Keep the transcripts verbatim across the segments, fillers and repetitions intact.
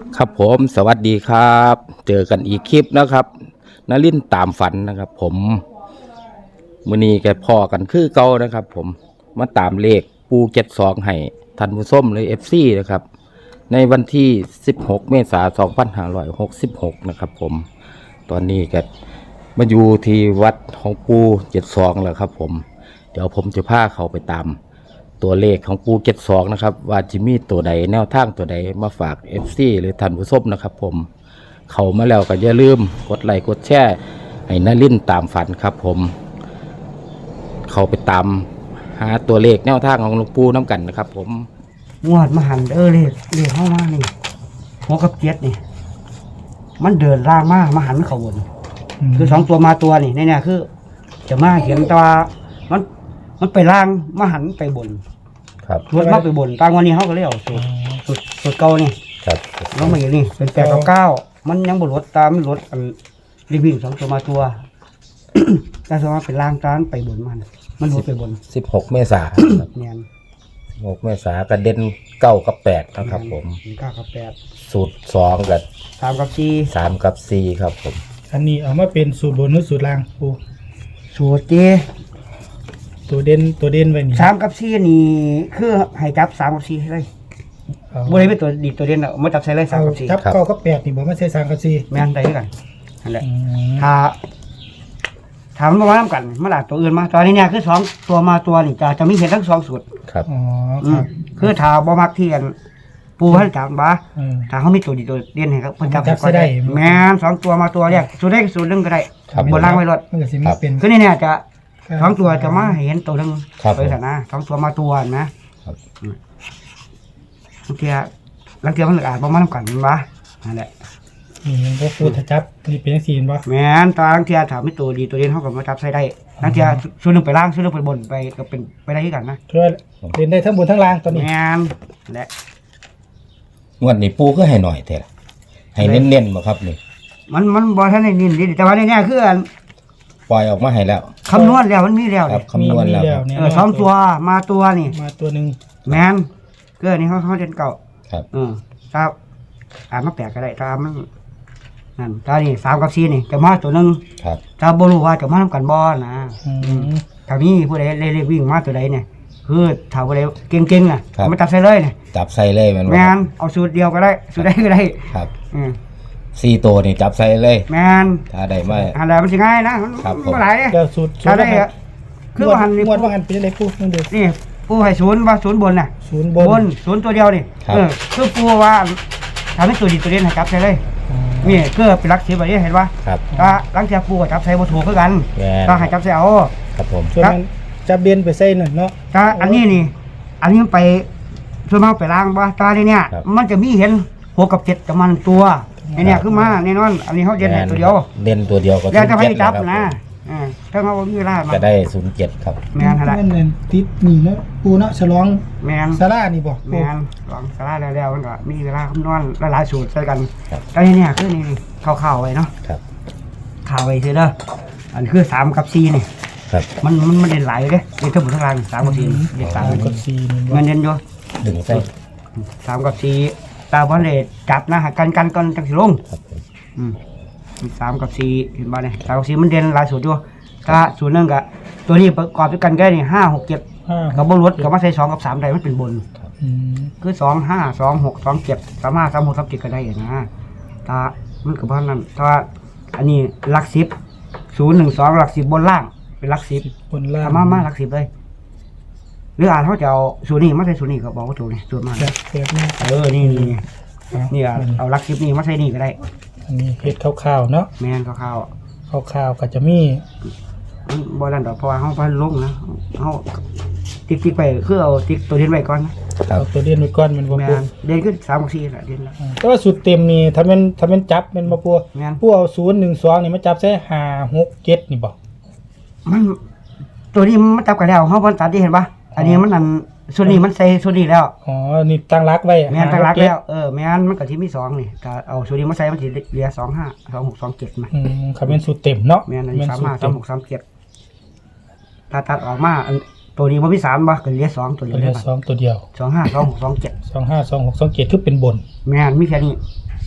ครับผมสวัสดีครับเจอกันอีกคลิปนะครับนลินตามฝันนะครับผมมื้อนี้แกพ่อกันคือเก่านะครับผมมาตามเลขปูเจ็ดสองให้ท่านผู้ชมเลย เอฟ ซี นะครับในวันที่สิบหกเมษายนสองพันห้าร้อยหกสิบหกนะครับผมตอนนี้แกมาอยู่ที่วัดของปูเจ็ดสองแล้วครับผมเดี๋ยวผมจะพาเขาไปตามตัวเลขของปูเจ็ดสองนะครับว่าจะมีตัวใดแนวทางตัวใดมาฝาก เอฟ ซี หรือท่านผู้ชมนะครับผมเขามาแล้วก็อย่าลืมกดไลค์กดแชร์ให้นลินตามฝันครับผมเขาไปตามหาตัวเลขแนวทางของหลวงปู่น้ำกันนะครับผมงวดมาหันเออเลยเลยเข้ามานี่หัวกับเจ็ดนี่มันเดินล่างมากมาหันเขาบนคือสองตัวมาตัวนี่เนี่ยคือจะมาเขียนตัวมันมันไปล่างมาหันไปบนครับรถมาไปบนตางวันนี้เขาก็เลยเอาสุดสุดสุดเก่านี่ครับแล้วมาอย่างนี้เป็นแปดกับเก้ามันยังบนรถตามรถรีวิ่งสองตัวมาตัวแต่สมมติเป็นล่างตามไปบนมันมันรถไปบนสิบหกเมษายนเนี่ยสิบหกเมษายนกระเด็นเก้ากับแปดนะครับผมเก้ากับแปดสูตรสองกับสามกับสี่สามกับสี่ครับผมอันนี้เอามาเป็นสูตรบนหรือสูตรล่างปูสูตรเจตัวเด่นตัวเด่นไว้นี่สามกับสี่นี่คือให้จับสามกับสี่เลยบริเวณตัวดีตัวเด่นอ่ะมาจับใส่เลยสามกับสี่จับเก้ากับแปดนี่บอกไม่ใช่สามกับสี่แม่นได้กันนั่นแหละถ้าถามมาว่าน้ำกันมาหลาตัวอื่นมาตอนนี้เนี่ยคือสองตัวมาตัวนี่จะจะมีเห็นทั้งสองสูตรครับอ๋อครับคือถ้าบ่มักเทียนปูให้จับบ้าถ้าเขามีตัวดีตัวเด่นให้ครับเพิ่นจับก็ได้แม่นสองตัวมาตัวเรียกสูตรได้สูตรหนึ่งก็ได้บนล่างไว้รถมันก็สิมาเป็นคือนี่เนี่ยจะสองตัวจะมาเห็นตัวหนึ่งไปแต่นะสองตัวมาตัวนะบางทีบางทีมันอาจบ่มาทำกันบ้านั่นแหละนี่พวกปูถ้าจับนี่เป็นสีนบ่แม่นตาบางทีถามไม่ตัวดีตัวเด่นเขาก็มาจับใส่ได้บางทีส่วนหนึ่งไปล่างส่วนหนึ่งไปบนไปก็เป็นไปได้ที่กันนะช่วยเล่นได้ทั้งบนทั้งล่างตอนนี้แม่นและงวดนี้ปูก็ให้หน่อยเถอะให้เน้นๆมาครับนี่มันมันบอท่านในนินดีแต่ว่าในนี้คือปล่อยออกมาให้แล้วคำนวณแล้วมันมีแล้วครับคำนวณแล้วเออสองตัวมาตัวนี่มาตัวหนึ่งแมนเกิดนี่เขาเขาเด่นเก่าครับเออถ้าอ่านมาแปลกก็ได้ถ้ามันนั่นถ้านี่สามกับสี่นี่จะมาตัวหนึ่งครับถ้าบรู้ว่าจะมาทำกันบอลนะถ้ามีผู้ใดเล่วิ่งมาตัวใดเนี่ยคือถ้าผู้ใดเก่งๆอ่ะมาจับใส่เลยเนี่ยจับใส่เลยมันแมนเอาสูตรเดียวก็ได้สูตรใดก็ได้ครับสี่ตัวนี่จับใส่เลยแมนถ้าได้ไม่อะไรมันจะง่ายนะมันไม่หลายเดี๋ยวสูตรถ้าได้คือว่าหันนี่ว่าหันเป็นอะไรปูนั่นเด็กนี่ปูให้ศูนย์ว่าศูนย์บนน่ะศูนย์บนศูนย์ตัวเดียวนี่เออคือปูว่าทำให้ตัวดีตัวเด่นให้จับใส่เลยนี่ก็เป็นลักษณะแบบนี้เห็นป่ะครับก็ลังจากปูกับจับใส่บนถูกคือกันก็ให้จับใส่เอาครับผมส่วนนั้นจับเด่นไปใส่หน่อยเนาะก็อันนี้นี่อันนี้ไปส่วนมากไปล้างป่ะตาเนี่ยเนี่ยมันจะมีเห็นหกกับเจ็ดกับมันตัวนี่เนี่ยคือมาแน่นอนอันนี้เขาเด่นตัวเดียวเด่นตัวเดียวก็แล้วจะให้จับนะถ้าเขามีเวลาจะได้ศูนย์เจ็ดครับแมนอะไรเงินติดนี่เนาะปูเนาะฉลองแมนซาร่านี่บอกแมนฉลองซาร่าแล้วมันก็มีเวลาคำนวณหลายสูตรใส่กันแต่นี่เนี่ยคือนี่ข่าวๆไว้เนาะข่าวไว้คือเด้ออันคือสามกับสี่นี่มันมันมันเด่นหลายเลยเด่นทั้งหมดทั้งรางสามกับสี่เด่นสามกับสี่มันเด่นอยู่ดึงใส่สามกับสี่ตาบอลเด็ดจับนะกันกันกันจังสิลงอืมสามกับสี่เห็นบ้างเนี่ยสามกับสี่มันเด่นหลายสูตรอยู่ถ้าสูตรนึงกับตัวนี้ประกอบด้วยกันก็นี่ห้าหกเจ็ดกับบนรถกับมาใส่สองกับสามได้มันเป็นบนคือสองห้าสองหกสองเจ็ดสามห้าสามหกสามเจ็ดก็ได้นะถ้ามันกับบ้านนั้นถ้าอันนี้หลักสิบศูนย์หนึ่งสองหลักสิบบนล่างเป็นหลักสิบบนล่างมามาหลักสิบเลยหรืออ่านเขาจะเอาสูตรนี้มาใส่สูตรนี้ก็บอกว่าถูกเลยสูตรมาเออนี่นี่นี่เอาหลักสิบนี่มาใส่นี่ก็ได้อันนี้เห็ดข้าวๆเนาะแมนข้าวข้าวๆก็จะมีบอลนั่นดอกเพราะว่าเขาพันลงนะเขาติ๊กติ๊กไปคือเอาติ๊กตัวเด่นไว้ก่อนนะเอาตัวเด่นไว้ก่อนมันบ่ปูเด่นขึ้นสามกับสี่แหละเด่นแล้วแต่ว่าสุดเต็มนี่ถ้าเป็นถ้าเป็นจับเป็นบ่ปูปูเอาศูนย์หนึ่งสองนี่มาจับใส่ห้าหกเจ็ดนี่บอกมันตัวนี้มันจับกันแล้วเขาพันตัดที่เห็นปะอันนี้มันนั่นส่วนนี้มันใส่ส่วนนี้แล้วอ๋อนี่ตั้งรักไว้แม่นตั้งรักแล้วเออแม่นมันกับที่มีสองนี่ก็เอาส่วนนี้มาใส่มันจะเหลือสองห้าสองหกสองเจ็ดมาอืมขับเป็นสูตรเต็มเนาะแม่นอันนี้สามห้าสองหกสามเจ็ดถ้าตัดออกมาตัวนี้มันมีสามบ่ก็เหลือสองตัวเดียวเหลือสองตัวเดียวสองห้าสองหกสองเจ็ดสองห้าสองหกสองเจ็ดคือเป็นบนแม่นมีแค่นี้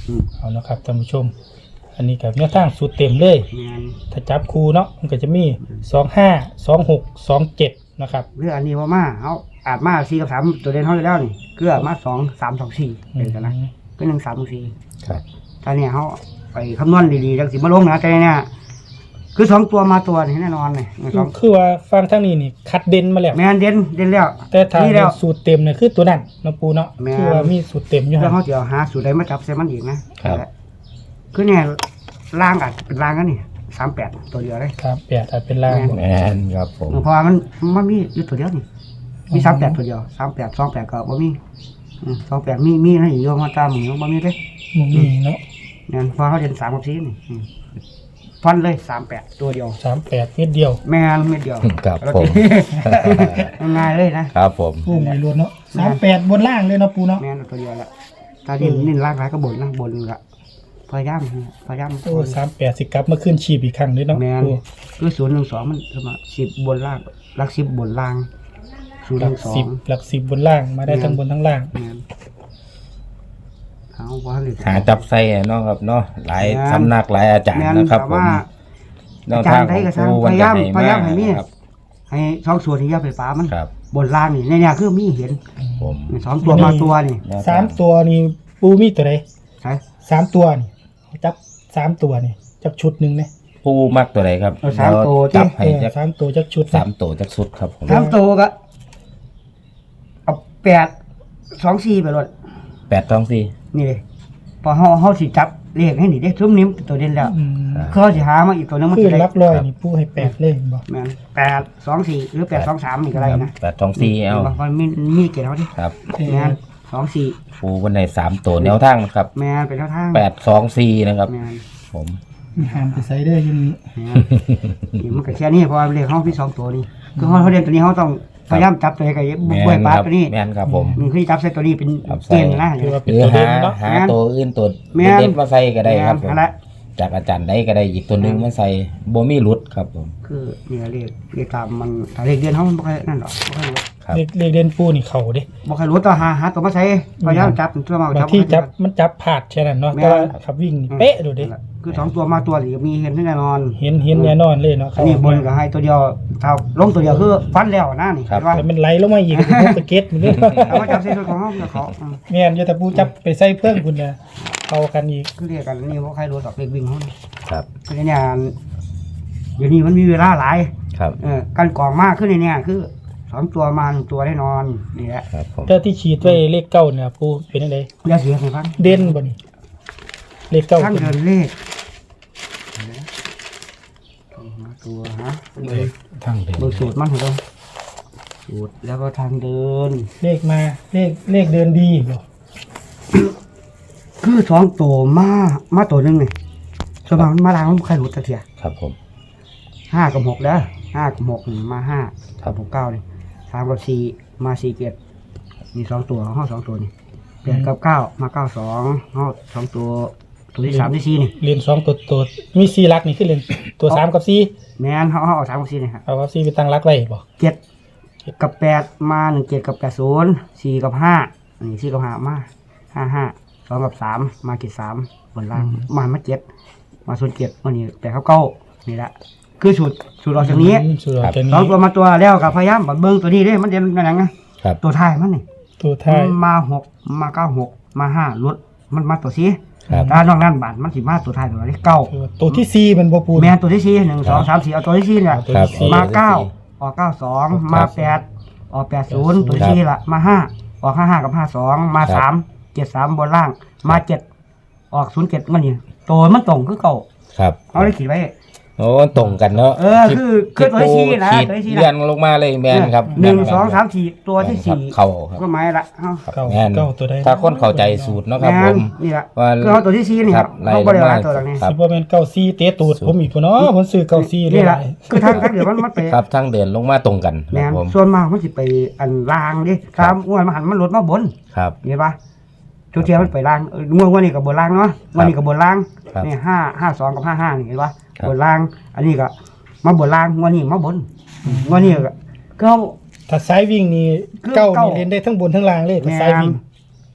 อืมเอานะครับท่านผู้ชม อันนี้กับแนวทางสูตรเต็มเลยแม่นถ้าจับคู่เนาะมันก็จะมีสองห้าสองหกสองเจ็ดนะครับเรื่องอันนี้ว่ามาเขาอาจมาสี่กับสามตัวเด่นเขาอยู่แล้วนี่เกลือมาสองสามสองสี่เป็นกันนะก็หนึ่งสามสี่ครับตอนนี้เขาไปคำนวณดีๆจังสิมาลงนะแต่เนี่ยคือสองตัวมาตัวนี่แน่นอนเลยสองคือว่าฟังทางนี้นี่คัดเด่นมาแล้วแมนเด่นเด่นแล้วแต่ทางนี่แล้วสูตรเต็มเนี่ยคือตัวนั้นเนาะปูเนาะแม่นคือว่ามีสูตรเต็มอยู่แล้วฮะเขาจะหาสูตรใดมาจับเซมันอีกนะครับ คือเนี่ยล่างอาจเป็นล่างกันนี่สามแปดตัวเดียวเลยครับแปดถ้าเป็นล่างแมนครับผมเพราะว่ามันมันมีอยู่ตัวเดียวนี่มีสามแปดตัวเดียวสามแปดสองแปดก็บ่มีสองแปดมีมีนะอยู่มาตามหมือบ่มีเลยมุมนี้เนาะเนี่ยพอเขาเด่นสามกับสี่นี่อืมฟันเลยสามแปดตัวเดียวสามแปดเม็ดเดียวแม่นเม็ดเดียวครับแล้วผก็มง่ายเลยนะครับผมปูไม่รวนเนาะสามแปดบนล่างเลยเนาะปูเนาะแม่นตัวเดียวละตาดินนินล่างร้ายก็บนนะบนละพยายามพยายามโอ้สามแปดสิกลับมาขึ้นชีพอีกครั้งเลยเนาะแม่นปูคือศูนย์หนึ่งสองมันประมาณสิบบนล่างลักสิบบนล่างศูนย์หหลันึ่กงสอสิงบหลักสิบบนล่างมาได้ทั้งบนทั้งล่างแม่นเอาว่าเลยหาจับไส้เนาะครับเนาะหลายแม่นสำนักหลายอาจารย์แม่นนะครับแต่ผมว่าแนวทางของครูวันจะให้พยายามให้มีครับให้ช่องส่วนที่ยาไฟฟ้ามันครับบนล่างนี่ในเนี่ยคือมีเห็นผมสองตัวมาตัวนี่แนวทงสามตัวนี่ปูมีตัวใดใช่สามตัวนี่จับสามตัวนี่จับชุดหนึ่งเนี่ยผู้มักตัวไหนครับเอาสามตัวจับเอให้อจักสามตัวจักชุดสามตัวจักสุดครับผมสามตัวก็เอาแปดสองสี่ไปเลยแปดท้องสี่นี่เลยพอเฮาเฮาสิจับเลขให้นี่เด้ทุ่มนิ้มเป็นตัวเด่นแล้วอืมเขาสิหามาอีกตัวหนึงมันคือจะได้ลักลอยนี่ปูให้แปดเลยบอกแม่นแปดสองสี่หรือแปดสองสามอีกอะไรนะแปดท้องสี่เอาบางคนมีมีเกณฑ์เขาดิครับแม่นสองสี่ครูวันไหนสามตัวแนวทางนะครับแม่นเป็นเท่าทางแปดสองสี่นะครับแม่นผมห้ามไปใส่เด้ออยังนี้แม่นนี่มันก็แค่นี้เพราะว่าเลขเขาพี่สองตัวนี่คือเขาเขาเรียนตัวนี้เขาต้องพยายามจับตัวใดกับบุกแมบวยนปลาครับตัวนี้แมนครับผมนี่คือจับใส่ตัวนี้เป็นจับใส่เกณฑ์นะคือว่าเป็นหรือตัวเด่หานเนาะหาตัวอื่นตัวแม่นเด็ดๆมาใส่ก็ได้ครับผมนั่นแหละจากอาจารย์ได้ก็ได้อีกตัวหนึงมาใส่โบมีรุดครับผมคือเนี่ยเลขเลขตามมันถ้าเลขเดือนเขามันบ่ค่อยนั่นหรอกบ่ค่อยรู้ครับเลขเลขเด่นปูนี่เข่าเด้บ่ค่อยรู้ต่อหาหาตัวมาใช้พยายามจับตัวมาบางที่จับมันจับผาดแค่นั้นเนาะแต่ว่าขับวิ่งนี่เป๊ะดูดิคือสองตัวมาตัวหรือมีเห็นแน่นอนเห็นเห็นแน่นอนเลยเนาะอันนี้บนก็ให้ตัวเดียวเท่าลงตัวเดียวคือฟันแล้วนะนี่ครับเห็นว่าแต่มันไหลลงมาอีกพวกสเก็ตมันเนี่ยเอามาจับเส้นของเขาเดี๋ยวเขาอืมแม่นอยู่แต่ปูจับไปใส่เพื่อนคุณนะเข้ากันอีกคือเรียกกันนี่บ่ใครรู้ดอกเลขวิ่งเขานี่ครับคือเนี่ยเดี๋ยวนี้มันมีเวลาหลายครับเออการกรองมากขึ้นในเนี่ยคือสองตัวมาหนึ่งตัวแน่นอนนี่แหละครับผมเจ้าที่ฉีดไว้เลขเก้าเนี่ยปูเป็นยังไงเดี๋ยวเสียงให้ฟังเด่นบ่นี่เลขเก้าทั้งเป็นเดินเลขตัวฮะเบอร์ทั้งเดินเบอร์สูตรมันเหรอสูตรแล้วก็ทางเดินเลขมาเลขเลขเดินดีบ่คือสองตัวมามาตัวหนึ่งนี่ส่วนมากมันมาล้างมันใครรู้จักเทียครับผมห้ากับหกเด้อห้ากับหกนี่มาห้าครับหกเก้านี่สามกับสี่มาสี่เจ็ดมีสองตัวห้าสองตัวนี่แปดกับเก้ามาเก้าสองห้าสองตัวตัวที่สามที่สี่นี่เรียนสองตัวตัวมีสี่หลักนี่คือเรียนตัวสามกับสี่แม่นเขาเขาเอาสามกับสี่นี่ครับเอากับสี่ไปตั้งหลักไว้บ่เจ็ดกับแปดมาหนึ่งเจ็ดกับแปดศูนย์สี่กับห้านี่สี่กับห้ามาห้าห้าสองกับสามมาเจ็ดสามบนล่างมามาเจ็ดมาส่วนเจ็ดวันนี้แปดเขาเก้านี่แหละคือสูตรสูตรออกจากนี้อืมสุดยอดจากสองนี้ตัวมาตัวแล้วกับพยายามบัดเบิ้งตัวนี้เด้มันเด่นมันหยังไงครับตัวท้ายมันนี่ตัวท้ายมันมาหกมาเก้าหกมาห้าลดมันมาตัวสี่ครับถ้านอกนั้นบาทมันสิมาตัวท้ายตัวนี้เก้าคือว่าตัวที่สี่มันบ่ปูแมนตัวที่สี่หนึ่งสองสามสี่เอาตัวที่สี่เนี่ยตัวครับที่สี่มาเก้าออกเก้าสองมาแปดออกแปดศูนย์ตัวที่สี่ละมาห้าออกห้าห้ากับห้าสองมาสามเจ็ดสามบนล่าง มาเจ็ดออกศูนย์เจ็ดมันนี่ตัวมันตรงคือเก่าครับเอาได้ขีดไว้โอ้ตรงกันเนาะเออคือคือตัวที่สี่นะขีดตัวที่สี่นะเลื่อนลงมาเลยแมนครับหนึ่งแม่สองครับสามสี่ตัวที่สี่เข่าครับก็หมายละเอ้าครับเก้าแม่นเก้าตัวใดถ้าคนเข้าใจสูตรเนาะครับผมนี่แหละว่าคือเอาตัวที่สี่นี่ครับไล่เขาลบริงวามารตัวหลังนี้ครับสิบ่แม่นเก้าสี่เตะตูดผมอีกพุ่นเนาะผมซื้อเก้าสี่เลยนี่แหละคือทางทางเดี๋ยวมันมันไปครับทั้งเดินลงมาตรงกันแมครับนผมส่วนมากมันสิไปอันล่างดิตามอ้วนมาหันมันหลดมาบนครับเห็นปะทุกเทียมันไปล่างเออง่วงวันนี้กับบนล่างเนาะวันนี้กับบนล่างครับนี่ห้าห้าสองกับห้าห้านี่เห็นปะครับบนล่าง อันนี้ก็มาบนล่างวันนี้มาบนวันนี้ก็ก็ถ้าสายวิ่งนี่คือเก้าเก้านี่เล่นได้ทั้งบนทั้งล่างเลยถ้าแม่สายนวิ่ง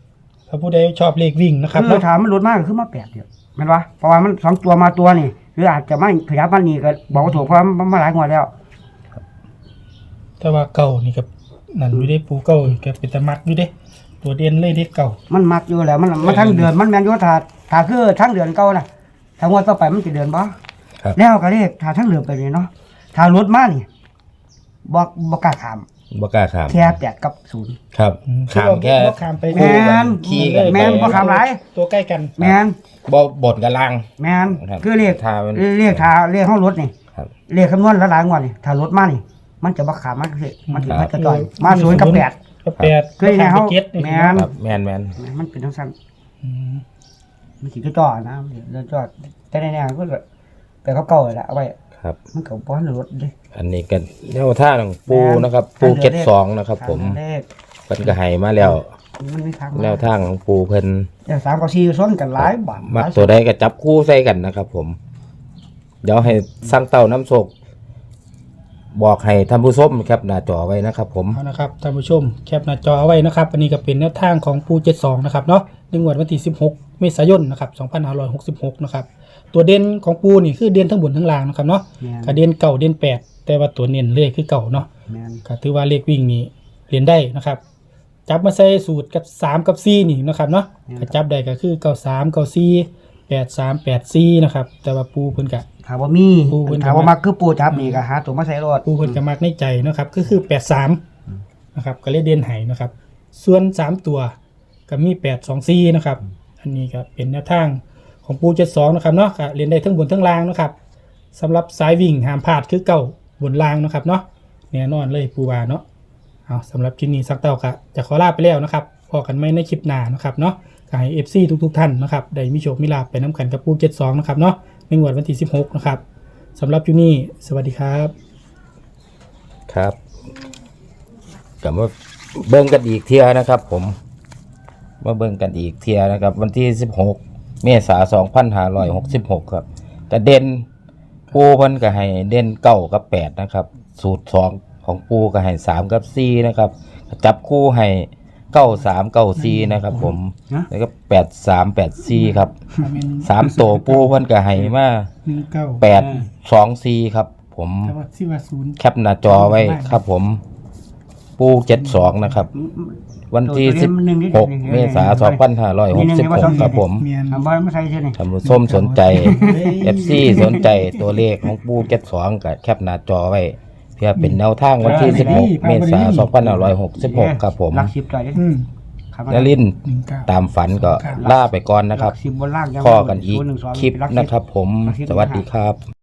ถ้าผู้ใดชอบเลขวิ่งนะครับคือเนาะถามมันลดมากคือมาแปดเดียวแม่นวะเพราะว่ามันสองตัวมาตัวนี่หรืออาจจะไม่ขยับมันนี่ก็บอกว่าถูกเพราะมันมาหลายงวดแล้วแต่ว่าเก่านี่กับนั่นอยู่ได้ปูเก่าก็เป็นตะมักอยู่เด้ตัวเด่นเลยเด้เก่ามันมักอยู่แล้วมันมันทั้งเดือนมันแม่นอยู่ถ้าถ้าคือทั้งเดือนเก่าน่ะถ้างวดต่อไปมันจะเดือนบ่ครับแล้วก็เลขถ้าทั้งเดือนไปนี่เนาะถ้ารถมานี่บ่บ่กล้าข้ามบ่กล้าขามแค่แปดกับศูนย์ครับขามแค่บ่ข้ามไปแม่นขี่กันไปแม่นบ่ข้ามหลายตัวใกล้กันแม่นบ่บนกับล่างแม่นครับคือเลขถ้ามันเลขถ้าเลขห้องรถนี่ครับเลขคำนวณละหลายงวดนี่ถ้ารถมานี่ มันจะบ่ขามมันคือมันถือครับมันจะจ่อยมาศูนย์กับแปดกับแปดคือไงเขาบ่ข้มไปเจ็ดนี่แม่นครับแม่นแม่นมันเป็นทั้งสั้นอืมมันสิก็จ่อนะเดี๋ยวจ่อแต่ในแนวก็ไปเขาเก่าๆแหละเอาไว้ครับมันก็บ่ทันรถเด้อันนี้ก็แนวท่างของปูนะครับ ปูเก็ตสองนะครับ ผมเลขเพิ่นก็ให้มาแล้วมันมีทางแนวทางของปูเพิ่นเดี๋ยวสามกับสี่ซ้อนกันหลายบาทมักตัวใดก็จับคู่ใส่กันนะครับ ผม เดี๋ยวให้สร้างเต้าน้ำโศกบอกให้ท่านผู้ชมครับหน้าจอไว้นะครับ ผมเอานะครับท่านผู้ชมแคปหน้าจอเอาไว้นะครับ อันนี้ก็เป็นแนวทางของปูเจ็ดสองนะครับเนาะในงวดวันที่สิบหกเมษายนนะครับสองพันห้าร้อยหกสิบหกนะครับตัวเด่นของปูนี่คือเด่นทั้งบนทั้งล่างนะครับเนาะแม่นก็เด่นเก่าเด่นแปดแต่ว่าตัวเน้นเลขคือเก่าเนาะแม่นก็ถือว่าเลขวิ่งนี่เรียนได้นะครับ จับมาใส่สูตรกับสามกับสี่นี่นะครับเนาะก็จับได้ก็คือเก้าสามเก้าสี่แปดสามแปดสี่นะครับแต่ว่าปูเพิ่นกะถามว่ามีปูเพิ่นถามว่ามักคือปูจับนี่ก็หาตัวมาใส่รถปูเพิ่นกะมักในใจนะครับก็คือแปดสามนะครับก็เลยเด่นไห้นะครับ ส่วนสามตัวก็มีแปดสองสี่นะครับอันนี้ก็เป็นแนวทางของปูเจ็ดสองนะครับเนาะก็เรียนได้ทั้งบนทั้งล่างนะครับสำหรับสายวิ่งห้ามพลาดคือเก่าบนล่างนะครับเนาะแน่นอนเลยปูว่าเนาะ เอาสำหรับคลิปนี้สักเต้าค่ะจะขอลาไปแล้วนะครับพอกันไม่ในคลิปหน้านะครับเนาะขอให้ เอฟ ซี ทุกๆท่านนะครับได้มีโชคมีลาภไปน้ำกันกับปูเจ็ดสองนะครับเนาะในงวดวันที่สิบหกนะครับสำหรับคลิปนี้สวัสดีครับครับกลับมาเบิ่งกันอีกเที่ยนะครับ ผมมาเบิ่งกันอีกเที่ยนะครับ วันที่สิบหกเมษายนสองพันห้าร้อยหกสิบหกครับแต่เด่นปูเพิ่นก็ให้เด่นเก้ากับแปดนะครับ สูตรสองของปูก็ให้สามกับสี่นะครับ จับคู่ให้เก้าสามเก้าสี่นะครับ ผมแล้วก็แปดสามแปดสี่ครับสามตัวปูเพิ่นก็ให้มาหนึ่งเก้าแปดสองสี่ครับ ผมแต่ว่าที่ว่าศูนย์แคปหน้าจอไว้ครับ ผม ปูเจ็ดสองนะครับ วันที่สิบหกเมษายนสองพันห้าร้อยหกสิบหกครับ ผมเมียนถามว่ามาใส่เท่านี้ท่านผู้ชมสนใจ เอฟ ซี สนใจตัวเลขของปูเจ็ดสองกับแคปหน้าจอไว้ เพื่อเป็นแนวทางวันที่สิบหกเมษายนสองพันห้าร้อยหกสิบหกครับ ผมหลักสิบจ่อยเด้อืมครับนลินทร์หนึ่งเก้าตามฝันก็ล่าไปก่อนนะครับหลักสิบบนล่างยังพ่อกันอีกศูย์หนึ่งสงคลิปเป็นหลักสินะครับ ผม สวัสดีครับ